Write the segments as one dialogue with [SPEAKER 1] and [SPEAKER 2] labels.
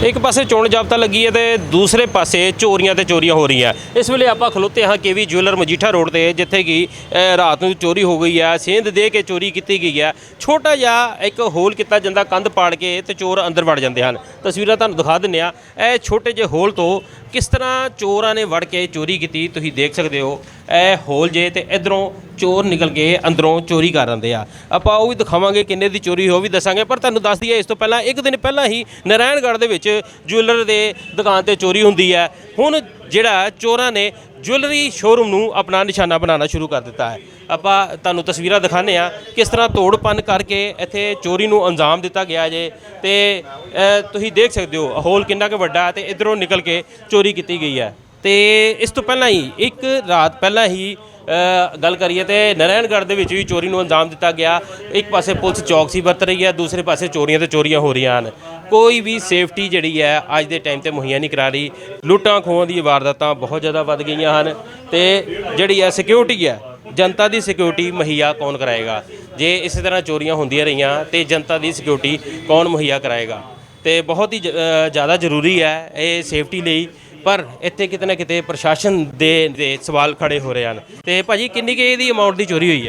[SPEAKER 1] एक पासे चोण जाब्ता लगी है तो दूसरे पासे चोरियां तो चोरियां हो रही हैं। इस वेले आप खलोते हाँ केवी ज्वेलर मजीठा रोड पर जिथे कि रात को चोरी हो गई है, सेंध दे के चोरी की गई है। छोटा जिहा एक होल किया जाता, कंध पाड़ के तो चोर अंदर वड़ जाते हैं। तस्वीरां तुहानूं दिखा दिंदे आ, ये छोटे जे होल तो किस तरह चोरां ने वड़ के चोरी की तुसीं देख सकते हो। ए होल जे तो इधरों चोर निकल के अंदरों चोरी कर आते हैं। आपां वो भी दिखावांगे किन्ने दी चोरी हो भी दसांगे, पर तुहानूं दस दईए इस तो पहला एक दिन पहला ही नारायणगढ़ दे विच ज्वेलर दे दुकान ते चोरी हुंदी है। हुण जिहड़ा चोरां ने ज्वेलरी शोरूम नूं अपना निशाना बनाना शुरू कर दिता है। आपां तुहानूं तस्वीरां दिखाने आ किस तरह तोड़ भन्न करके इत्थे चोरी नूं अंजाम दिता गया जे। ते तुसीं देख सकते हो होल किन्ना क वड्डा ते इधरों निकल के चोरी की गई है। तो इस तो पहला ही एक रात पहला ही गल करिए तो नारायणगढ़ के भी चोरी को अंजाम दिता गया। एक पासे पुलिस चौकसी बरत रही है, दूसरे पासे चोरियां तो चोरियां हो रही हैं। कोई भी सेफ्टी जी है अज के टाइम पर मुहैया नहीं करा रही। लुट्टां खोहां दी वारदातां बहुत ज़्यादा वध गई हैं। तो जी है सिक्योरिटी है, जनता की सिक्योरिटी मुहैया कौन कराएगा? जे इस तरह चोरियां होंदियां रहियां तो जनता की सिक्योरिटी कौन मुहैया कराएगा? तो बहुत ही ज़्यादा जरूरी है ये सेफ्टी लिए। पर इत्थे किते ना किते प्रशासन दे सवाल खड़े हो रहे हैं। तो भाजी किन्नी के दी अमाउंट की चोरी हुई है?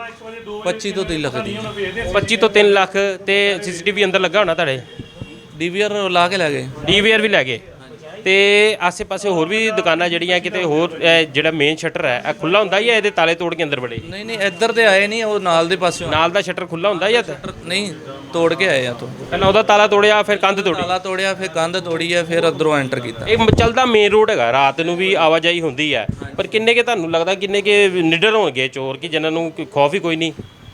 [SPEAKER 2] 25 ਤੋਂ 3 ਲੱਖ ਦੀ
[SPEAKER 1] 25 ਤੋਂ 3 ਲੱਖ। तो CCTV अंदर लगा होना तुहाडे?
[SPEAKER 2] ਡੀਵੀਆਰ ਲਾ ਕੇ ਲੈ ਗਏ।
[SPEAKER 1] DVR भी लै गए। तो आसे पासे होर भी दुकानां ਜਿਹੜੀਆਂ किते होर ਜਿਹੜਾ मेन शटर है ਇਹ खुला ਹੁੰਦਾ ਜਾਂ ਇਹਦੇ ਤਾਲੇ ਤੋੜ ਕੇ ਅੰਦਰ ਵੜੇ?
[SPEAKER 2] ਨਹੀਂ ਨਹੀਂ ਇੱਧਰ ਤੇ ਆਏ ਨਹੀਂ, ਉਹ ਨਾਲ ਦੇ ਪਾਸਿਓਂ
[SPEAKER 1] ਨਾਲ ਦਾ ਸ਼ਟਰ ਖੁੱਲਾ ਹੁੰਦਾ ਜਾਂ
[SPEAKER 2] ਨਹੀਂ ਤੋੜ ਕੇ ਆਏ ਆ ਤੋਂ।
[SPEAKER 1] ਪਹਿਲਾਂ ਉਹਦਾ ਤਾਲਾ ਤੋੜਿਆ ਫਿਰ ਕੰਧ ਤੋੜੀ?
[SPEAKER 2] ਤਾਲਾ ਤੋੜਿਆ ਫਿਰ ਕੰਧ ਤੋੜੀ ਹੈ ਫਿਰ ਅੰਦਰੋਂ ਐਂਟਰ ਕੀਤਾ।
[SPEAKER 1] ਇਹ ਚੱਲਦਾ ਮੇਨ ਰੋਡ ਹੈਗਾ, ਰਾਤ ਨੂੰ ਵੀ ਆਵਾਜਾਈ ਹੁੰਦੀ ਹੈ। ਪਰ ਕਿੰਨੇ ਕੇ ਤੁਹਾਨੂੰ ਲੱਗਦਾ ਕਿੰਨੇ ਕੇ ਨਿਡਰ ਹੋਣਗੇ ਚੋਰ ਕਿ ਜਿਨ੍ਹਾਂ ਨੂੰ ਖੌਫ ਹੀ ਕੋਈ ਨਹੀਂ?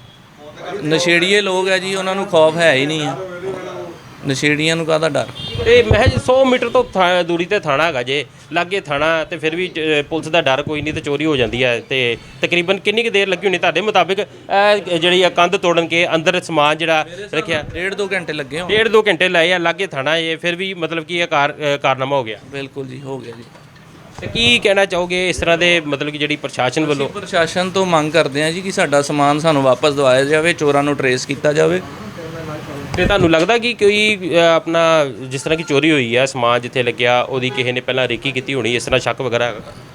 [SPEAKER 2] ਨਸ਼ੇੜੀਏ ਲੋਕ ਹੈ ਜੀ, ਉਹਨਾਂ ਨੂੰ ਖੌਫ ਹੈ ਹੀ ਨਹੀਂ ਆ। ਨਸ਼ੇੜੀਆਂ ਨੂੰ ਕਾਹਦਾ ਡਰ?
[SPEAKER 1] ਤੇ ਮਹਿਜ 100 ਮੀਟਰ ਤੋਂ ਦੂਰੀ ਤੇ ਥਾਣਾ ਹੈਗਾ ਜੇ, ਲਾਗੇ ਥਾਣਾ ਤੇ ਫਿਰ ਵੀ ਪੁਲਿਸ ਦਾ ਡਰ ਕੋਈ ਨਹੀਂ ਤੇ ਚੋਰੀ ਹੋ ਜਾਂਦੀ ਹੈ। ਤੇ ਤਕਰੀਬਨ ਕਿੰਨੀ ਕੁ ਦੇਰ ਲੱਗੀ ਹੋਣੀ ਤੁਹਾਡੇ ਮੁਤਾਬਿਕ ਜਿਹੜੀ ਆ ਕੰਧ ਤੋੜਨ ਕੇ ਅੰਦਰ ਸਮਾਨ ਜਿਹੜਾ ਰੱਖਿਆ?
[SPEAKER 2] 1.5-2 ਘੰਟੇ ਲੱਗੇ ਹੋਣ।
[SPEAKER 1] 1.5-2 ਘੰਟੇ ਲਾਏ ਆ, ਲਾਗੇ ਥਾਣਾ ਇਹ ਫਿਰ ਵੀ ਮਤਲਬ ਕਿ ਇਹ ਕਾਰਨਾਮਾ ਹੋ ਗਿਆ?
[SPEAKER 2] ਬਿਲਕੁਲ ਜੀ ਹੋ ਗਿਆ ਜੀ।
[SPEAKER 1] ਤੇ ਕੀ ਕਹਿਣਾ ਚਾਹੋਗੇ ਇਸ ਤਰ੍ਹਾਂ ਦੇ ਮਤਲਬ ਕਿ ਜਿਹੜੀ ਪ੍ਰਸ਼ਾਸਨ ਵੱਲੋਂ?
[SPEAKER 2] ਪ੍ਰਸ਼ਾਸਨ ਤੋਂ ਮੰਗ ਕਰਦੇ ਹਾਂ ਜੀ ਕਿ ਸਾਡਾ ਸਮਾਨ ਸਾਨੂੰ ਵਾਪਸ ਦਿਵਾਇਆ ਜਾਵੇ, ਚੋਰਾਂ ਨੂੰ ਟਰੇਸ ਕੀਤਾ ਜਾਵੇ।
[SPEAKER 1] ਤੇ ਤੁਹਾਨੂੰ ਲੱਗਦਾ ਕਿ ਕੋਈ ਆਪਣਾ ਜਿਸ ਤਰ੍ਹਾਂ ਕਿ ਚੋਰੀ ਹੋਈ ਹੈ ਸਮਾਨ ਜਿੱਥੇ ਲੱਗਿਆ ਉਹਦੀ ਕਿਸੇ ਨੇ ਪਹਿਲਾਂ ਰੇਕੀ ਕੀਤੀ ਹੋਣੀ, ਇਸ ਤਰ੍ਹਾਂ ਸ਼ੱਕ ਵਗੈਰਾ?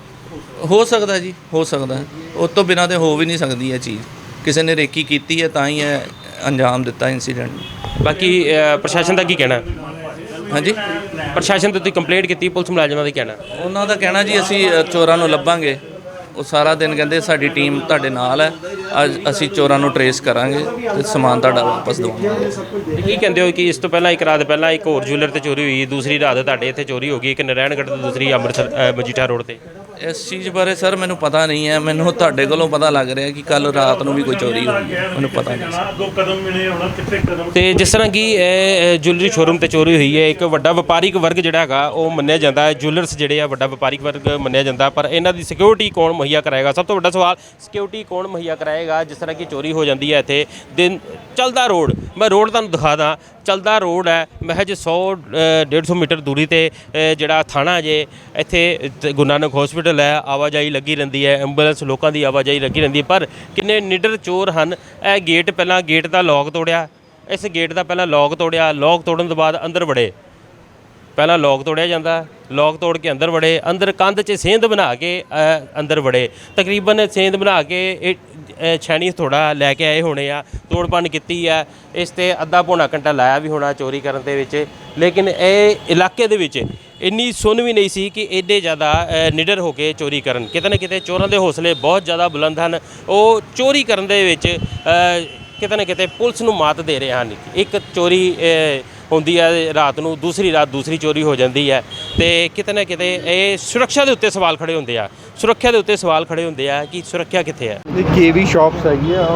[SPEAKER 2] ਹੋ ਸਕਦਾ ਜੀ, ਹੋ ਸਕਦਾ। ਉਸ ਤੋਂ ਬਿਨਾਂ ਤੇ ਹੋ ਵੀ ਨਹੀਂ ਸਕਦੀ ਇਹ ਚੀਜ਼। ਕਿਸੇ ਨੇ ਰੇਕੀ ਕੀਤੀ ਹੈ ਤਾਂ ਹੀ ਇਹ ਅੰਜਾਮ ਦਿੱਤਾ ਇਨਸੀਡੈਂਟ।
[SPEAKER 1] ਬਾਕੀ ਪ੍ਰਸ਼ਾਸਨ ਦਾ ਕੀ ਕਹਿਣਾ?
[SPEAKER 2] ਹਾਂਜੀ,
[SPEAKER 1] ਪ੍ਰਸ਼ਾਸਨ ਤੇ ਤੁਸੀਂ ਕੰਪਲੇਂਟ ਕੀਤੀ, ਪੁਲਿਸ ਮੁਲਾਜ਼ਮਾਂ ਦਾ ਕਹਿਣਾ?
[SPEAKER 2] ਉਹਨਾਂ ਦਾ ਕਹਿਣਾ ਜੀ ਅਸੀਂ ਚੋਰਾਂ ਨੂੰ ਲੱਭਾਂਗੇ। ਉਹ ਸਾਰਾ ਦਿਨ ਕਹਿੰਦੇ ਸਾਡੀ ਟੀਮ ਤੁਹਾਡੇ ਨਾਲ ਹੈ, ਅੱਜ ਅਸੀਂ ਚੋਰਾਂ ਨੂੰ ਟਰੇਸ ਕਰਾਂਗੇ ਤੇ ਸਮਾਨ ਤੁਹਾਡਾ ਵਾਪਸ ਦਵਾਂਗੇ।
[SPEAKER 1] ਕੀ ਕਹਿੰਦੇ ਹੋ ਕਿ ਇਸ ਤੋਂ ਪਹਿਲਾਂ ਇੱਕ ਰਾਤ ਪਹਿਲਾਂ ਇੱਕ ਹੋਰ ਜੁਐਲਰ ਤੇ ਚੋਰੀ ਹੋਈ, ਦੂਸਰੀ ਰਾਤ ਤੁਹਾਡੇ ਇੱਥੇ ਚੋਰੀ ਹੋ ਗਈ, ਇੱਕ ਨਾਰਾਇਣਗੜ੍ਹ ਤੇ ਦੂਸਰੀ ਅੰਮ੍ਰਿਤਸਰ ਮਜੀਠਾ ਰੋਡ ਤੇ?
[SPEAKER 2] ਇਸ ਚੀਜ਼ ਬਾਰੇ ਸਰ ਮੈਨੂੰ ਪਤਾ ਨਹੀਂ ਹੈ। ਮੈਨੂੰ ਤੁਹਾਡੇ ਕੋਲੋਂ ਪਤਾ ਲੱਗ ਰਿਹਾ ਕਿ ਕੱਲ ਰਾਤ ਨੂੰ ਵੀ ਕੋਈ ਚੋਰੀ ਹੋਈ ਹੈ, ਮੈਨੂੰ ਪਤਾ ਨਹੀਂ।
[SPEAKER 1] ਤੇ ਜਿਸ ਤਰ੍ਹਾਂ ਕਿ ਇਹ ਜੁਐਲਰੀ ਸ਼ੋਰੂਮ ਤੇ ਚੋਰੀ ਹੋਈ ਹੈ, ਇੱਕ ਵੱਡਾ ਵਪਾਰਿਕ ਵਰਗ ਜਿਹੜਾ ਹੈਗਾ ਉਹ ਮੰਨਿਆ ਜਾਂਦਾ ਹੈ, ਜੁਐਲਰਸ ਜਿਹੜੇ ਆ ਵੱਡਾ ਵਪਾਰਿਕ ਵਰਗ ਮੰਨਿਆ ਜਾਂਦਾ, ਪਰ ਇਹਨਾਂ ਦੀ ਸਿਕਿਉਰਿਟੀ ਕੌਣ ਮੁਹੱਈਆ ਕਰਾਏਗਾ? ਸਭ ਤੋਂ ਵੱਡਾ ਸਵਾਲ ਸਿਕਿਉਰਿਟੀ ਕੌਣ ਮੁਹੱਈਆ ਕਰਾਏਗਾ? ਜਿਸ ਤਰ੍ਹਾਂ ਕਿ ਚੋਰੀ ਹੋ ਜਾਂਦੀ ਹੈ ਇੱਥੇ ਦਿਨ ਚੱਲਦਾ ਰੋਡ, ਮੈਂ ਰੋਡ ਤੁਹਾਨੂੰ ਦਿਖਾ ਦਾਂ, ਚੱਲਦਾ ਰੋਡ ਹੈ ਮਹਿਜ 100-150 ਮੀਟਰ ਦੂਰੀ ਤੇ ਜਿਹੜਾ ਥਾਣਾ ਜੇ ਇੱਥੇ ਗੁਰੂ ਨਾਨਕ ਹੌਸਪੀਟਲ ਹੈ, ਆਵਾਜਾਈ ਲੱਗੀ ਰਹਿੰਦੀ ਹੈ, ਐਂਬੂਲੈਂਸ ਲੋਕਾਂ ਦੀ ਆਵਾਜਾਈ ਲੱਗੀ ਰਹਿੰਦੀ ਹੈ। ਪਰ ਕਿੰਨੇ ਨਿਡਰ ਚੋਰ ਹਨ। ਇਹ ਗੇਟ ਪਹਿਲਾਂ ਗੇਟ ਦਾ ਲੌਕ ਤੋੜਿਆ, ਇਸ ਗੇਟ ਦਾ ਪਹਿਲਾਂ ਲੌਕ ਤੋੜਿਆ, ਲੌਕ ਤੋੜਨ ਤੋਂ ਬਾਅਦ ਅੰਦਰ ਵੜੇ। ਪਹਿਲਾਂ ਲੌਕ ਤੋੜਿਆ ਜਾਂਦਾ, ਲੌਕ ਤੋੜ ਕੇ ਅੰਦਰ ਵੜੇ, ਅੰਦਰ ਕੰਧ 'ਚ ਸੇਂਧ ਬਣਾ ਕੇ ਅੰਦਰ ਵੜੇ। ਤਕਰੀਬਨ ਸੇਂਧ ਬਣਾ ਕੇ ਇਹ ਛੈਣੀ ਥੋੜਾ ਲੈ ਕੇ ਆਏ ਹੋਣੇ ਆ, ਤੋੜ ਭੰਨ ਕੀਤੀ ਆ। ਇਸ 'ਤੇ ਅੱਧਾ ਪੌਣਾ ਘੰਟਾ ਲਾਇਆ ਵੀ ਹੋਣਾ ਚੋਰੀ ਕਰਨ ਦੇ ਵਿੱਚ। ਲੇਕਿਨ ਇਹ ਇਲਾਕੇ ਦੇ ਵਿੱਚ ਇੰਨੀ ਸੁੰਨ ਵੀ ਨਹੀਂ ਸੀ ਕਿ ਐਡੇ ਜ਼ਿਆਦਾ ਨਿਡਰ ਹੋ ਕੇ ਚੋਰੀ ਕਰਨ। ਕਿਤੇ ਨਾ ਕਿਤੇ ਚੋਰਾਂ ਦੇ ਹੌਸਲੇ ਬਹੁਤ ਜ਼ਿਆਦਾ ਬੁਲੰਦ ਹਨ। ਉਹ ਚੋਰੀ ਕਰਨ ਦੇ ਵਿੱਚ ਕਿਤੇ ਨਾ ਕਿਤੇ ਪੁਲਿਸ ਨੂੰ ਮਾਤ ਦੇ ਰਹੇ ਹਨ। ਇੱਕ ਚੋਰੀ ਹੁੰਦੀ ਹੈ ਰਾਤ ਨੂੰ, ਦੂਸਰੀ ਰਾਤ ਦੂਸਰੀ ਚੋਰੀ ਹੋ ਜਾਂਦੀ ਹੈ। ਤੇ ਕਿਤੇ ਨਾ ਕਿਤੇ ਇਹ ਸੁਰੱਖਿਆ ਦੇ ਉੱਤੇ ਸਵਾਲ ਖੜੇ ਹੁੰਦੇ ਆ, ਸੁਰੱਖਿਆ ਦੇ ਉੱਤੇ ਸਵਾਲ ਖੜੇ ਹੁੰਦੇ ਆ ਕਿ ਸੁਰੱਖਿਆ ਕਿੱਥੇ ਹੈ।
[SPEAKER 3] KV ਸ਼ਾਪਸ ਹੈਗੀ ਆ,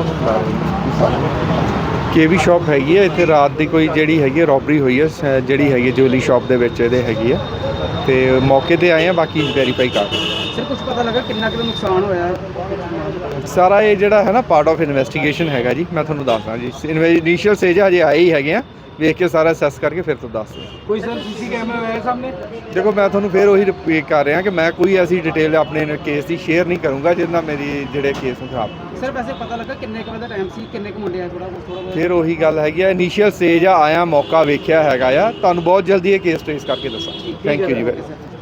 [SPEAKER 3] KV ਸ਼ਾਪ ਹੈਗੀ ਆ ਇੱਥੇ। ਰਾਤ ਦੀ ਕੋਈ ਜਿਹੜੀ ਹੈਗੀ ਆ ਰੋਬਰੀ ਹੋਈ ਹੈ, ਜਿਹੜੀ ਹੈਗੀ ਜੁਐਲਰੀ ਸ਼ਾਪ ਦੇ ਵਿੱਚ ਇਹਦੇ ਹੈਗੀ ਆ, ਤੇ ਮੌਕੇ ਤੇ ਆਏ ਆ, ਬਾਕੀ ਵੈਰੀਫਾਈ ਕਰ ਰਹੇ।
[SPEAKER 4] ਸਰ ਕੁਝ ਪਤਾ ਲੱਗਾ ਕਿੰਨਾ ਕੁ ਨੁਕਸਾਨ ਹੋਇਆ?
[SPEAKER 3] ਸਾਰਾ ਇਹ ਜਿਹੜਾ ਹੈ ਨਾ ਪਾਰਟ ਆਫ ਇਨਵੈਸਟੀਗੇਸ਼ਨ ਹੈਗਾ ਜੀ, ਮੈਂ ਤੁਹਾਨੂੰ ਦੱਸਦਾ ਜੀ। ਇਨੀਸ਼ੀਅਲ ਸਟੇਜ ਹਜੇ ਆਏ ਹੀ ਹੈਗੇ ਆ, ਵੇਖ ਕੇ ਸਾਰਾ ਅਸੈਸ ਕਰਕੇ ਫਿਰ ਤੋਂ ਦੱਸ ਦਿਓ।
[SPEAKER 4] ਕੋਈ ਸਰ ਸੀਸੀ ਕੈਮਰਾ ਆਇਆ ਸਾਹਮਣੇ?
[SPEAKER 3] ਦੇਖੋ ਮੈਂ ਤੁਹਾਨੂੰ ਫਿਰ ਉਹੀ ਰਿਪੀਟ ਕਰ ਰਿਹਾ ਕਿ ਮੈਂ ਕੋਈ ਐਸੀ ਡਿਟੇਲ ਆਪਣੇ ਕੇਸ ਦੀ ਸ਼ੇਅਰ ਨਹੀਂ ਕਰੂੰਗਾ ਜਿਹਦੇ ਨਾਲ ਮੇਰੀ ਜਿਹੜੇ ਕੇਸ ਨੂੰ ਖਰਾਬ
[SPEAKER 4] ਸਰ ਵੈਸੇ ਪਤਾ ਲੱਗਾ ਕਿੰਨੇ ਕੁ ਵਜੇ ਦਾ ਟਾਈਮ ਸੀ, ਕਿੰਨੇ ਕੁ ਮੁੰਡੇ ਆਏ, ਥੋੜਾ
[SPEAKER 3] ਫਿਰ ਉਹੀ ਗੱਲ ਹੈਗੀ ਆ ਇਨੀਸ਼ੀਅਲ ਸਟੇਜ ਆ, ਆਇਆ ਮੌਕਾ ਵੇਖਿਆ ਹੈਗਾ ਆ, ਤੁਹਾਨੂੰ ਬਹੁਤ ਜਲਦੀ ਇਹ ਕੇਸ ਟ੍ਰੇਸ ਕਰਕੇ ਦੱਸਾਂ। ਥੈਂਕ ਯੂ ਜੀ।